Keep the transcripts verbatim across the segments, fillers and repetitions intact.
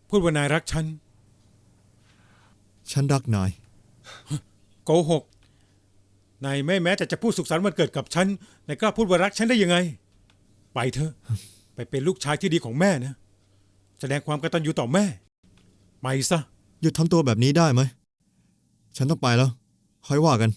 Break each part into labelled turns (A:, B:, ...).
A: พูดว่านายรักฉัน
B: ฉันรักนาย
A: โกหกนายไม่แม้แต่จะพูดสุขสันต์วันเกิดกับฉันนายกล้าพูดว่ารักฉันได้ยังไงไปเถอะไปเป็นลูกชายที่ดีของแม่นะแสดงความกตัญญูต่อแม่ไปซะ
B: หยุดทำตัวแบบนี้ได้ไหมฉันต้องไปแล้วค่อยว่ากัน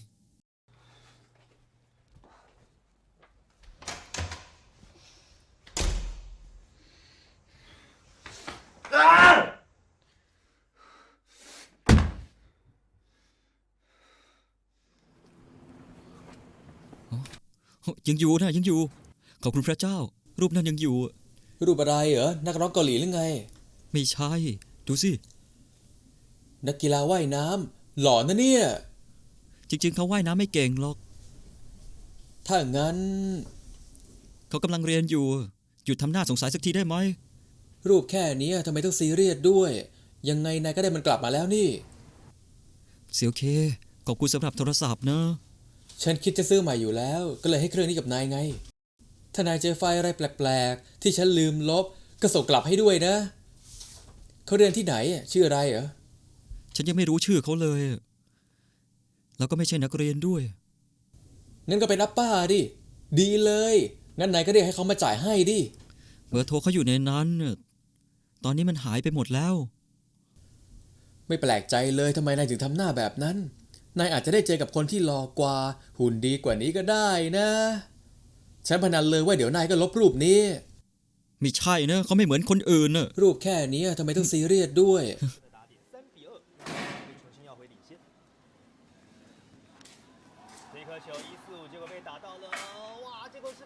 C: ยังอยู่นะยังอยู่ขอบคุณพระเจ้ารูปนั้นยังอยู่
D: รูปอะไรเหรอนักร้องเกาหลีหรือไง
C: ไม่ใช่ดูสิ
D: นักกีฬาว่ายน้ำหล่อนะเนี่ย
C: จริงๆเขาว่ายน้ำไม่เก่งหรอก
D: ถ้างั้น
C: เขากำลังเรียนอยู่หยุดทำหน้าสงสัยสักทีได้ไหม
D: รูปแค่นี้ทำไมต้องซีเรียสด้วยยังไงนายก็ได้มันกลับมาแล้วนี่
C: เสียวเคขอบคุณสำหรับโทรศัพท์นะ
D: ฉันคิดจะซื้อใหม่อยู่แล้วก็เลยให้เครื่องนี้กับนายไงถ้านายเจอไฟล์อะไรแปลกๆที่ฉันลืมลบก็ส่งกลับให้ด้วยนะเขาเรียนที่ไหนชื่ออะไรเหรอ
C: ฉันยังไม่รู้ชื่อเขาเลยแล้วก็ไม่ใช่นักเรียนด้วย
D: งั้นก็เป็นอัปป้าดิดีเลยงั้นนายก็เรียกให้เขามาจ่ายให้ดิ
C: เบอร์โทรเขาอยู่ในนั้นตอนนี้มันหายไปหมดแล้ว
D: ไม่แปลกใจเลยทำไมนายถึงทำหน้าแบบนั้นนายอาจจะได้เจอกับคนที่หล่อกว่าหุ่นดีกว่านี้ก็ได้นะฉันพนันเลยว่าเดี๋ยวนายก็ลบรูปนี้
C: ไม่ใช่นะเขาไม่เหมือนคนอื่นนะ
D: รูปแค่นี้ทำไมต้องซีเรียสด้วย